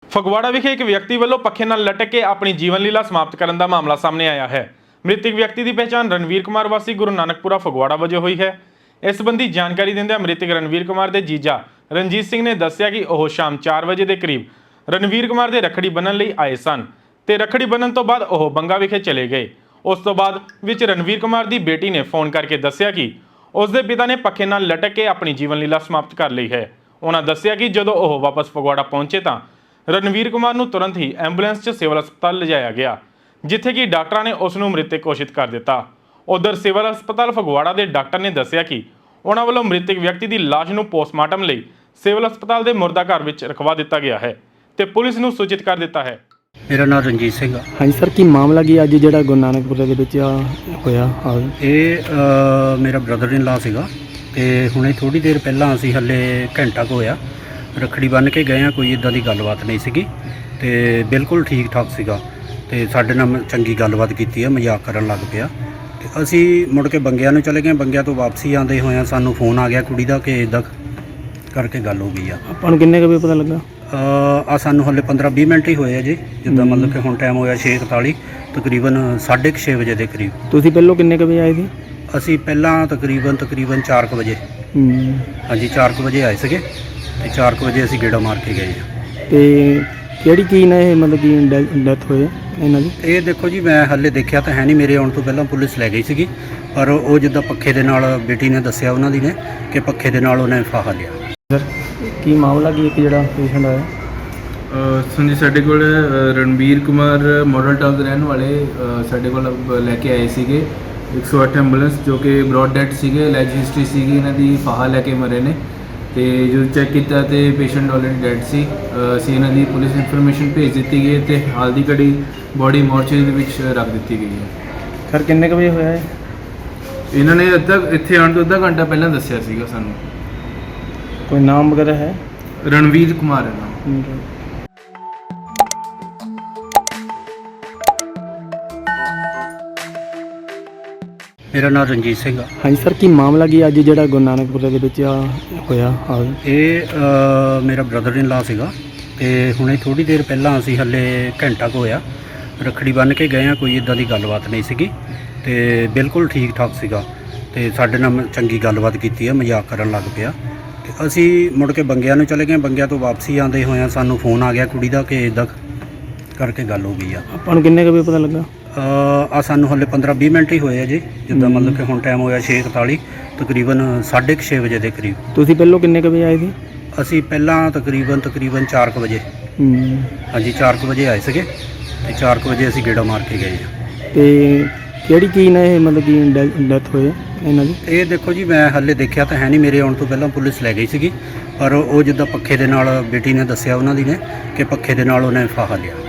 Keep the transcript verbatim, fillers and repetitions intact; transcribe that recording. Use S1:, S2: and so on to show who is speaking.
S1: ਫਗਵਾੜਾ ਵਿਖੇ ਇੱਕ ਵਿਅਕਤੀ ਵੱਲੋਂ ਪੱਖੇ ਨਾਲ ਲਟਕ ਕੇ ਆਪਣੀ ਜੀਵਨ ਲੀਲਾ ਸਮਾਪਤ ਕਰਨ ਦਾ ਮਾਮਲਾ ਸਾਹਮਣੇ ਆਇਆ ਹੈ। ਮ੍ਰਿਤਕ ਵਿਅਕਤੀ ਦੀ ਪਛਾਣ ਰਣਵੀਰ ਕੁਮਾਰ ਵਾਸੀ ਗੁਰੂ ਨਾਨਕਪੁਰਾ ਫਗਵਾੜਾ ਵਜੋਂ ਹੋਈ ਹੈ। ਇਸ ਸੰਬੰਧੀ ਜਾਣਕਾਰੀ ਦਿੰਦਿਆਂ ਮ੍ਰਿਤਕ ਰਣਵੀਰ ਕੁਮਾਰ ਦੇ ਜੀਜਾ ਰਣਜੀਤ ਸਿੰਘ ਨੇ ਦੱਸਿਆ ਕਿ ਉਹ ਸ਼ਾਮ ਚਾਰ ਵਜੇ ਦੇ ਕਰੀਬ ਰਣਵੀਰ ਕੁਮਾਰ ਦੇ ਰੱਖੜੀ ਬੰਨ੍ਹਣ ਲਈ ਆਏ ਸਨ ਤੇ ਰੱਖੜੀ ਬੰਨ੍ਹਣ ਤੋਂ ਬਾਅਦ ਉਹ ਬੰਗਾ ਵਿਖੇ ਚਲੇ ਗਏ। ਉਸ ਤੋਂ ਬਾਅਦ ਵਿੱਚ ਰਣਵੀਰ ਕੁਮਾਰ ਦੀ ਬੇਟੀ ਨੇ ਫੋਨ ਕਰਕੇ ਦੱਸਿਆ ਕਿ ਉਸ ਦੇ ਪਿਤਾ ਨੇ ਪੱਖੇ ਨਾਲ ਲਟਕ ਕੇ ਆਪਣੀ ਜੀਵਨ ਲੀਲਾ ਸਮਾਪਤ ਕਰ ਲਈ ਹੈ। ਉਹਨਾਂ ਦੱਸਿਆ ਕਿ ਜਦੋਂ ਉਹ ਵਾਪਸ ਫਗਵਾੜਾ ਪਹੁੰਚੇ ਤਾਂ ਰਣਵੀਰ ਕੁਮਾਰ ਨੂੰ ਤੁਰੰਤ ਹੀ ਐਂਬੂਲੈਂਸ 'ਚ ਸਿਵਲ ਹਸਪਤਾਲ ਲਿਜਾਇਆ ਗਿਆ, ਜਿੱਥੇ ਕਿ ਡਾਕਟਰਾਂ ਨੇ ਉਸ ਨੂੰ ਮ੍ਰਿਤਕ ਘੋਸ਼ਿਤ ਕਰ ਦਿੱਤਾ। ਉਧਰ ਸਿਵਲ ਹਸਪਤਾਲ ਫਗਵਾੜਾ ਦੇ ਡਾਕਟਰ ਨੇ ਦੱਸਿਆ ਕਿ ਉਹਨਾਂ ਵੱਲੋਂ ਮ੍ਰਿਤਕ ਵਿਅਕਤੀ ਦੀ ਲਾਸ਼ ਨੂੰ ਪੋਸਟਮਾਰਟਮ ਲਈ ਸਿਵਲ ਹਸਪਤਾਲ ਦੇ ਮੁਰਦਾ ਘਰ ਵਿੱਚ ਰਖਵਾ ਦਿੱਤਾ ਗਿਆ ਹੈ ਤੇ ਪੁਲਿਸ ਨੂੰ ਸੂਚਿਤ ਕਰ ਦਿੱਤਾ ਹੈ।
S2: ਮੇਰਾ ਨਾਮ ਰਣਜੀਤ ਸਿੰਘ ਆ।
S3: ਹਾਂਜੀ ਸਰ, ਕੀ ਮਾਮਲਾ ਕੀ ਅੱਜ ਜਿਹੜਾ ਗੁਰੂ ਨਾਨਕਪੁਰੇ ਦੇ ਵਿੱਚ ਆ ਹੋਇਆ? ਆ
S2: ਇਹ ਅ, ਮੇਰਾ ਬ੍ਰਦਰ ਇਨ ਲਾ ਸੀਗਾ ਤੇ ਹੁਣੇ ਥੋੜੀ ਦੇਰ ਪਹਿਲਾਂ ਅਸੀਂ ਹੱਲੇ ਘੰਟਾ ਕੁ ਹੋਇਆ ਰੱਖੜੀ ਬੰਨ੍ਹ ਕੇ ਗਏ ਆ। ਕੋਈ ਇਦਾਂ ਦੀ ਗੱਲਬਾਤ ਨਹੀਂ ਸੀਗੀ ਤੇ ਬਿਲਕੁਲ ਠੀਕ ਠਾਕ ਸੀਗਾ ਤੇ ਸਾਡੇ ਨਾਲ ਚੰਗੀ ਗੱਲਬਾਤ ਕੀਤੀ ਆ, ਮਜ਼ਾਕ ਕਰਨ ਲੱਗ ਪਿਆ ਤੇ ਅਸੀਂ ਮੁੜ ਕੇ ਬੰਗਿਆਂ ਨੂੰ ਚਲੇ ਗਏ। ਬੰਗਿਆਂ ਤੋਂ ਵਾਪਸੀ ਆਉਂਦੇ ਹੋਇਆਂ ਸਾਨੂੰ ਫੋਨ ਆ ਗਿਆ ਕੁੜੀ ਦਾ ਕਿ ਇਦਾਂ ਕਰਕੇ ਗੱਲ ਹੋ ਗਈ ਆ।
S3: ਆਪਾਂ ਨੂੰ ਕਿੰਨੇ ਕੁ ਵਜੇ ਪਤਾ ਲੱਗਾ?
S2: ਆ ਸਾਨੂੰ ਹੱਲੇ ਪੰਦਰਾਂ ਵੀਹ ਮਿੰਟ ਹੀ ਹੋਏ ਆ ਜੀ, ਜਿੱਦਾਂ ਮਤਲਬ ਕਿ ਹੁਣ ਟਾਈਮ ਹੋਇਆ ਛੇ ਇਕਤਾਲੀ, ਤਕਰੀਬਨ ਸਾਢੇ ਕੁ ਛੇ ਵਜੇ ਦੇ ਕਰੀਬ।
S3: ਤੁਸੀਂ ਪਹਿਲੋਂ ਕਿੰਨੇ ਕੁ ਵਜੇ ਆਏ ਸੀ?
S2: ਅਸੀਂ ਪਹਿਲਾਂ ਤਕਰੀਬਨ ਤਕਰੀਬਨ ਚਾਰ ਕੁ ਵਜੇ
S3: ਹੂੰ।
S2: ਹਾਂਜੀ ਚਾਰ ਕੁ ਵਜੇ ਆਏ ਸੀਗੇ ਤੇ ਚਾਰ ਕੁ ਵਜੇ ਅਸੀਂ ਗੇੜਾ ਮਾਰ ਕੇ ਗਏ ਹਾਂ।
S3: ਤੇ ਕਿਹੜੀ ਕੀ ਨੇ ਇਹ ਮਤਲਬ ਕਿ ਡੈਥ ਹੋਏ ਇਹਨਾਂ ਦੀ?
S2: ਇਹ ਦੇਖੋ ਜੀ, ਮੈਂ ਹੱਲੇ ਦੇਖਿਆ ਤਾਂ ਹੈ ਨਹੀਂ, ਮੇਰੇ ਆਉਣ ਤੋਂ ਪਹਿਲਾਂ ਪੁਲਿਸ ਲੈ ਗਈ ਸੀਗੀ, ਪਰ ਉਹ ਜਿੱਦਾਂ ਪੱਖੇ ਦੇ ਨਾਲ ਬੇਟੀ ਨੇ ਦੱਸਿਆ ਉਹਨਾਂ ਦੀ ਨੇ ਕਿ ਪੱਖੇ ਦੇ ਨਾਲ ਉਹਨੇ ਫਾਹਾ ਲਿਆ।
S3: ਸਰ ਕੀ ਮਾਮਲਾ ਕੀ ਇੱਕ ਜਿਹੜਾ ਪੇਸ਼ੈਂਟ ਆਇਆ?
S4: ਹਾਂਜੀ, ਸਾਡੇ ਕੋਲ ਰਣਵੀਰ ਕੁਮਾਰ ਮਾਡਲ ਟਾਊਨ ਦੇ ਰਹਿਣ ਵਾਲੇ ਅ, ਸਾਡੇ ਕੋਲ ਲੈ ਕੇ ਆਏ ਸੀਗੇ ਇੱਕ ਸੌ ਅੱਠ ਐਂਬੂਲੈਂਸ, ਜੋ ਕਿ ਬ੍ਰੌਡ ਡੈਥ ਸੀਗੇ, ਲੈਜ ਹਿਸਟਰੀ ਸੀਗੀ, ਇਹਨਾਂ ਦੀ ਫਾਹਾ ਲੈ ਕੇ ਮਰੇ ਨੇ ਤੇ ਜਦੋਂ ਚੈੱਕ ਕੀਤਾ ਤੇ ਪੇਸ਼ੈਂਟ ਆਲਰੇਡੀ ਡੈਡ ਸੀ। ਅ, ਅਸੀਂ ਇਹਨਾਂ ਦੀ ਪੁਲਿਸ ਇਨਫੋਰਮੇਸ਼ਨ ਭੇਜ ਦਿੱਤੀ ਗਈ ਤੇ ਹਾਲ ਦੀ ਘੜੀ ਬੋਡੀ ਮੋਰਚਰੀ ਦੇ ਵਿੱਚ ਰੱਖ ਦਿੱਤੀ ਗਈ ਹੈ।
S3: ਸਰ ਕਿੰਨੇ ਕੁ ਵਜੇ ਹੋਇਆ ਹੈ?
S4: ਇਹਨਾਂ ਨੇ ਅੱਧਾ ਇੱਥੇ ਆਉਣ ਤੋਂ ਅੱਧਾ ਘੰਟਾ ਪਹਿਲਾਂ ਦੱਸਿਆ ਸੀਗਾ ਸਾਨੂੰ।
S3: ਕੋਈ ਨਾਮ ਵਗੈਰਾ ਹੈ?
S4: ਰਣਵੀਰ ਕੁਮਾਰ ਹੈ ਨਾਮ।
S2: ਮੇਰਾ ਨਾਮ ਰਣਜੀਤ ਸਿੰਘ ਆ।
S3: ਹਾਂਜੀ ਸਰ, ਕੀ ਮਾਮਲਾ ਕੀ ਅੱਜ ਜਿਹੜਾ ਗੁਰੂ ਨਾਨਕਪੁਰੇ ਦੇ ਵਿੱਚ ਆ ਹੋਇਆ? ਆ
S2: ਇਹ ਅ, ਮੇਰਾ ਬ੍ਰਦਰ ਇਨ ਲਾ ਸੀਗਾ ਤੇ ਹੁਣੇ ਥੋੜੀ ਦੇਰ ਪਹਿਲਾਂ ਅਸੀਂ ਹੱਲੇ ਘੰਟਾ ਕੁ ਹੋਇਆ ਰੱਖੜੀ ਬੰਨ੍ਹ ਕੇ ਗਏ ਆ। ਕੋਈ ਇਦਾਂ ਦੀ ਗੱਲਬਾਤ ਨਹੀਂ ਸੀਗੀ ਤੇ ਬਿਲਕੁਲ ਠੀਕ ਠਾਕ ਸੀਗਾ ਤੇ ਸਾਡੇ ਨਾਲ ਚੰਗੀ ਗੱਲਬਾਤ ਕੀਤੀ ਆ, ਮਜ਼ਾਕ ਕਰਨ ਲੱਗ ਪਿਆ ਤੇ ਅਸੀਂ ਮੁੜ ਕੇ ਬੰਗਿਆਂ ਨੂੰ ਚਲੇ ਗਏ। ਬੰਗਿਆਂ ਤੋਂ ਵਾਪਸੀ ਆਉਂਦੇ ਹੋਇਆਂ ਸਾਨੂੰ ਫੋਨ ਆ ਗਿਆ ਕੁੜੀ ਦਾ ਕਿ ਇਦਾਂ ਕਰਕੇ ਗੱਲ ਹੋ ਗਈ ਆ।
S3: ਆਪਾਂ ਨੂੰ ਕਿੰਨੇ ਕੁ ਵਜੇ ਪਤਾ ਲੱਗਾ?
S2: ਆ ਸਾਨੂੰ ਹੱਲੇ ਪੰਦਰਾਂ ਵੀਹ ਮਿੰਟ ਹੀ ਹੋਏ ਆ ਜੀ, ਜਿੱਦਾਂ ਮਤਲਬ ਕਿ ਹੁਣ ਟਾਈਮ ਹੋਇਆ ਛੇ ਇਕਤਾਲੀ, ਤਕਰੀਬਨ ਸਾਢੇ ਕੁ ਛੇ ਵਜੇ ਦੇ ਕਰੀਬ।
S3: ਤੁਸੀਂ ਪਹਿਲੋਂ ਕਿੰਨੇ ਕੁ ਵਜੇ ਆਏ ਸੀ?
S2: ਅਸੀਂ ਪਹਿਲਾਂ ਤਕਰੀਬਨ ਤਕਰੀਬਨ ਚਾਰ ਕੁ ਵਜੇ
S3: ਹੂੰ।
S2: ਹਾਂਜੀ ਚਾਰ ਕੁ ਵਜੇ ਆਏ ਸੀਗੇ ਤੇ ਚਾਰ ਕੁ ਵਜੇ ਅਸੀਂ ਗੇੜਾ ਮਾਰ ਕੇ ਗਏ ਹਾਂ।
S3: ਤੇ ਕਿਹੜੀ ਕੀ ਨੇ ਇਹ ਮਤਲਬ ਕਿ ਡੈਥ ਹੋਏ ਇਹਨਾਂ ਦੀ?
S2: ਇਹ ਦੇਖੋ ਜੀ, ਮੈਂ ਹੱਲੇ ਦੇਖਿਆ ਤਾਂ ਹੈ ਨਹੀਂ, ਮੇਰੇ ਆਉਣ ਤੋਂ ਪਹਿਲਾਂ ਪੁਲਿਸ ਲੈ ਗਈ ਸੀਗੀ, ਪਰ ਉਹ ਜਿੱਦਾਂ ਪੱਖੇ ਦੇ ਨਾਲ ਬੇਟੀ ਨੇ ਦੱਸਿਆ ਉਹਨਾਂ ਦੀ ਨੇ ਕਿ ਪੱਖੇ ਦੇ ਨਾਲ ਉਹਨੇ ਫਾਹਾ ਲਿਆ।